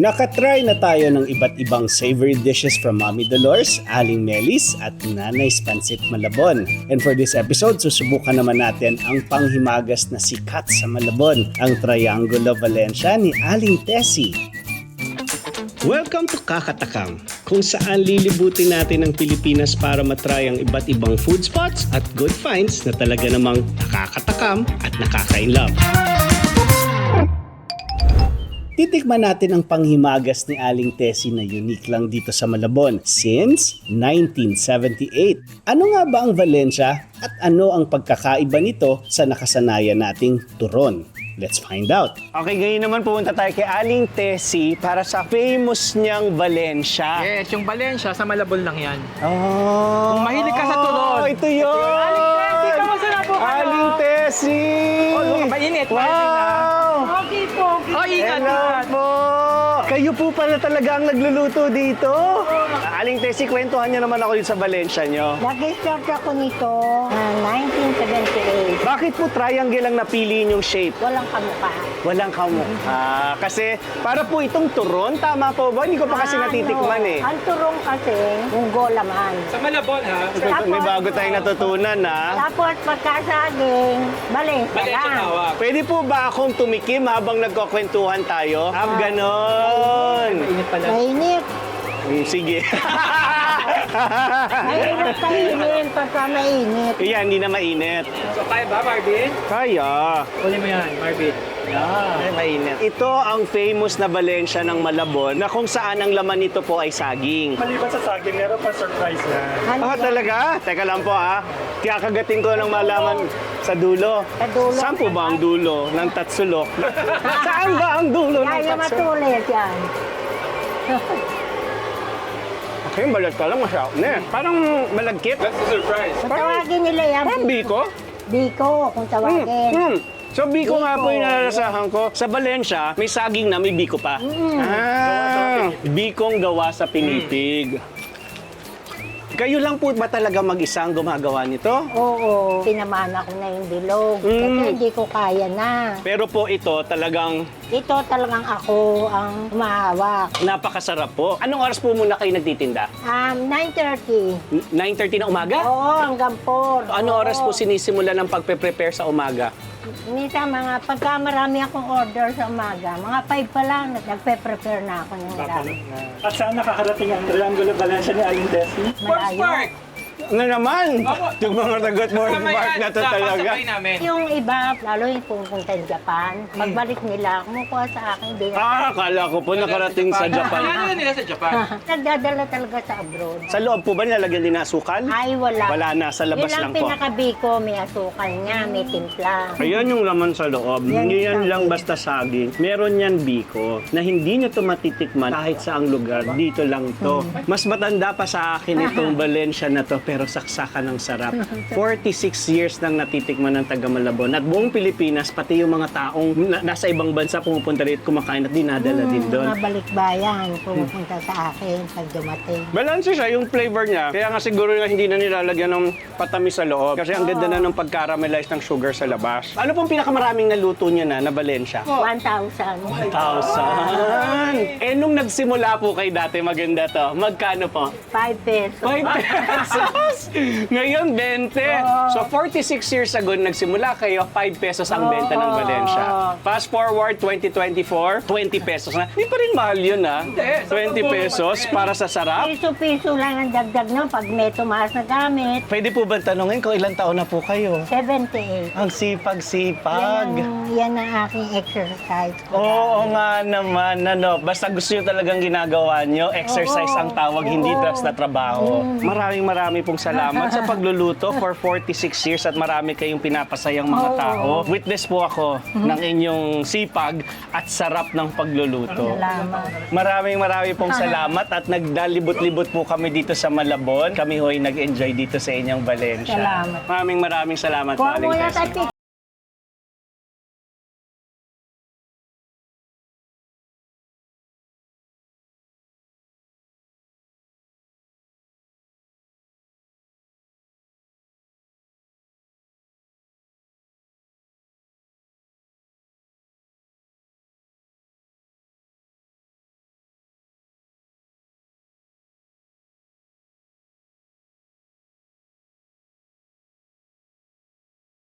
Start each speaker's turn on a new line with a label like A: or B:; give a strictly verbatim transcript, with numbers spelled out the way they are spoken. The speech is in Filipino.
A: Nakatry na tayo ng iba't ibang savory dishes from Mommy Dolores, Aling Melis at Nanay Pancit Malabon. And for this episode, susubukan naman natin ang panghimagas na sikat sa Malabon, ang Triangulo Valencia ni Aling Tessie. Welcome to Kakatakam, kung saan lilibutin natin ang Pilipinas para matry ang iba't ibang food spots at good finds na talaga namang nakakatakam at nakaka-inlove. Titikman natin ang panghimagas ni Aling Tessie na unique lang dito sa Malabon since nineteen seventy-eight. Ano nga ba ang Valencia at ano ang pagkakaiba nito sa nakasanayan nating turon? Let's find out. Okay, ngayon naman pupunta tayo kay Aling Tessie para sa famous niyang Valencia.
B: Yes, yung Valencia, sa Malabon lang yan.
A: Oh,
B: Kung mahilig ka sa turon.
A: Oh, ito yun!
B: Aling Tessie, kamusta na po kayo?
A: Aling Tessie!
B: Oh, mainit.
A: Wow!
C: Okay po.
B: Oh, ingat
A: Hello
B: na.
A: po! Kayo po pala talaga ang nagluluto dito? Aling Tessie, kwentuhan niyo naman ako dito sa Valencia niyo.
C: Nag-start ako nito na nineteen seventy-eight.
A: Bakit po triangle ang napili yung shape?
C: Walang kamukha.
A: Walang kamukha. Kasi para po itong turon, tama po ba? Hindi ko pa kasi
C: Ano,
A: natitikman eh.
C: Ang turong kasi, munggo laman.
B: Sa Malabon, ha?
A: May bago tayong natutunan ha.
C: Tapos pagkasaging, Valencia
B: Valencia
C: lang.
B: tawag.
A: Pwede po ba akong tumikim habang nagkukwentuhan tayo? Ah, ganon.
B: Init pala.
C: Mainit.
A: Mm, sige.
C: Mainit kainin pagka mainit.
A: Iyan, hindi na mainit.
B: So, kaya ba, Marvin?
A: Kaya.
B: Uli mo yan, Marvin.
A: Ay, mainit. Ito ang famous na Valencia ng Malabon na kung saan ang laman nito po ay saging.
D: Maliban sa saging, meron pa surprise na.
C: Ano
A: Ah,
C: yan?
A: talaga? Teka lang po ha. Kakagating ko ng malaman sa dulo.
C: Sa dulo.
A: Saan po ba ang dulo ng tatsulok? Saan ba ang dulo ng
C: Kaya
A: tatsulok?
C: matulis yan.
A: Okay, balat ka lang masyado na eh. Parang malagkit.
B: That's the surprise.
C: Kung tawagin nila yan,
A: Parang biko.
C: Biko, kung
A: Hmm,
C: tawagin.
A: hmm. So biko nga po
C: Biko.
A: yung nalalasahan ko. Sa Valencia, may saging na may biko pa. Ah, bikong gawa sa pinipig. Kayo lang po ba talaga mag-isa ang gumagawa nito?
C: Oo, pinamana ko na yung bilog. Kasi
A: Mm.
C: hindi ko kaya na.
A: Pero po ito talagang
C: Ito talagang ako ang humahawak.
A: napakasarap po. Anong oras po muna kayo nagtitinda?
C: Um, nine thirty.
A: nine thirty na umaga?
C: Oo, hanggang four.
A: Ano
C: Oo.
A: oras po sinisimula ng pagpe-prepare sa umaga?
C: Minsan mga, pagka marami akong order sa umaga, mga five pa lang, nagpe-prepare na ako ng marami.
D: At saan nakakarating ang Triangulo Valencia ni Aling Tessie?
B: Sports Park!
A: Ano naman?
B: Opo.
A: Yung mga tagot mo,
B: Kasama
A: Mark
B: yan
A: na to
B: sa
A: talaga.
B: pasakay namin.
C: Yung iba, lalo yung pumunta sa Japan, pagbalik nila, kumukuha sa akin, hindi na.
A: Ah, akala ko po nakarating sa Japan.
B: Ano nila sa Japan?
C: Nagdadala talaga sa abroad.
A: Sa loob po ba nilalagyan din ng asukal?
C: Ay, wala.
A: Wala na, sa labas
C: Yun
A: lang po.
C: pinakabiko, may asukal niya, may timpla.
A: Ayan yung laman sa loob.
C: Yan
A: Hindi
C: yung
A: yan lang
C: saging.
A: basta saging. Meron yan biko na hindi nyo to matitikman kahit saang lugar. Dito lang to. Mas matanda pa sa akin itong Valencia na to pero saksakan ng sarap. forty-six years nang natitikman ng taga Malabon. At buong Pilipinas, pati yung mga taong na- nasa ibang bansa pumupunta rito kumakain at dinadala din doon.
C: Mga balikbayan, pumupunta sa akin pag dumating.
A: Balanse siya, yung flavor niya. Kaya nga siguro nga hindi na nilalagyan ng patamis sa loob. Kasi ang ganda na ng pag-caramelize ng sugar sa labas. Ano pong pinakamaraming naluto niya na na Valencia?
C: one thousand.
A: Thousand. Eh, nung nagsimula po kayo dati, maganda to. Magkano po?
C: five pesos.
A: five pesos. Ngayon, twenty. So, forty-six years ago, nagsimula kayo, five pesos ang benta ng Valencia. Fast forward, twenty twenty-four, twenty pesos na. Hindi pa rin mahal yun, ha? twenty pesos para sa sarap.
C: Piso-piso lang ang dagdag nun pag may tumaas na gamit.
A: Pwede po ba tanungin kung ilang taon na po kayo?
C: seventy-eight.
A: Ang sipag-sipag.
C: Yan ang, yan ang aking exercise.
A: Oo nga naman, ano, basta gusto nyo talagang ginagawa nyo, exercise ang tawag, hindi drugs na trabaho. Maraming marami pong salamat sa pagluluto for forty-six years at marami kayong pinapasayang mga tao. Witness po ako ng inyong sipag at sarap ng pagluluto.
C: Salamat.
A: Maraming maraming pong salamat at nagdalibot-libot po kami dito sa Malabon. Kami ho'y nag-enjoy dito sa inyong Valencia.
C: Salamat.
A: Maraming maraming salamat po,
C: Kuha
A: Aling
C: muna
A: Tessie.
C: tayo